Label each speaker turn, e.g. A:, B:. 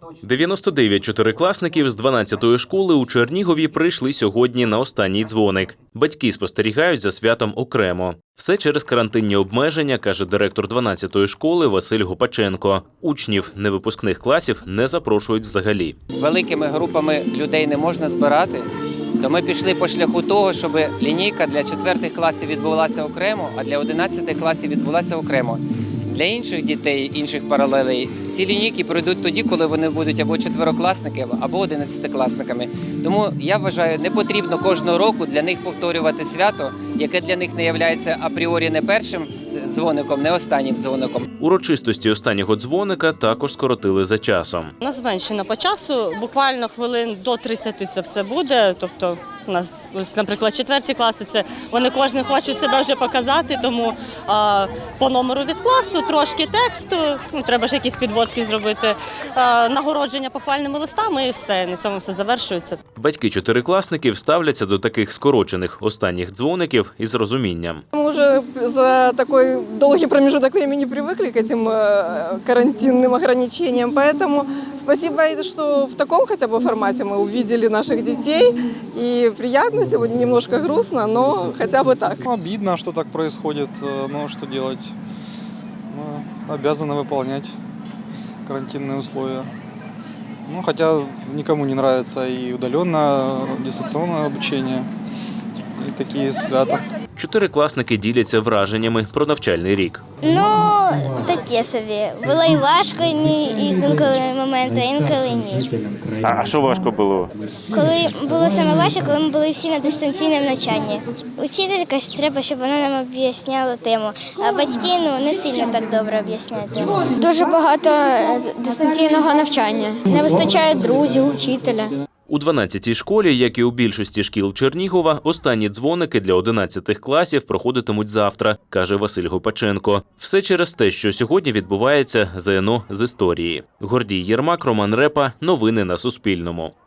A: 99 чотирикласників з 12-ї школи у Чернігові прийшли сьогодні на останній дзвоник. Батьки спостерігають за святом окремо. Все через карантинні обмеження, каже директор 12-ї школи Василь Гопаченко. Учнів невипускних класів не запрошують взагалі.
B: Великими групами людей не можна збирати, то ми пішли по шляху того, щоб лінійка для 4 класів відбулася окремо, а для 11 класів відбулася окремо. Для інших дітей, інших паралелей, ці лінійки пройдуть тоді, коли вони будуть або 4-класниками, або 11-класниками. Тому, я вважаю, не потрібно кожного року для них повторювати свято, яке для них не є апріорі не першим дзвоником, не останнім дзвоником.
A: Урочистості останнього дзвоника також скоротили за часом.
C: У нас зменшено по часу, буквально хвилин до 30 це все буде, тобто у нас, наприклад, 4 класи, вони кожен хочуть себе вже показати, тому по номеру від класу трошки тексту, треба ж якісь підводки зробити, нагородження похвальними листами і все, на цьому все завершується.
A: Батьки чотирикласників ставляться до таких скорочених останніх дзвоників із розумінням.
D: Мы уже за такой долгий промежуток времени привыкли к этим карантинным ограничениям, поэтому спасибо, что в таком хотя бы формате мы увидели наших детей. И приятно, сегодня немножко грустно, но хотя бы так.
E: Обидно, что так происходит, но что делать? Мы обязаны выполнять карантинные условия. Ну, хотя никому не нравится и удаленное, дистанционное обучение, и такие свята.
A: Чотирикласники діляться враженнями про навчальний рік.
F: Ну, таке собі. Було і важко, інколи моменти, інколи ні.
A: А що важко було?
F: Коли було саме важче, коли ми були всі на дистанційному навчанні. Учителька ж треба, щоб вона нам об'ясняла тему, а батьки не сильно так добре об'ясняють тему.
G: Дуже багато дистанційного навчання. Не вистачає друзів, учителя.
A: У 12-й школі, як і у більшості шкіл Чернігова, останні дзвоники для 11 класів проходитимуть завтра, каже Василь Гопаченко. Все через те, що сьогодні відбувається ЗНО з історії. Гордій Єрмак, Роман Репа. Новини на Суспільному.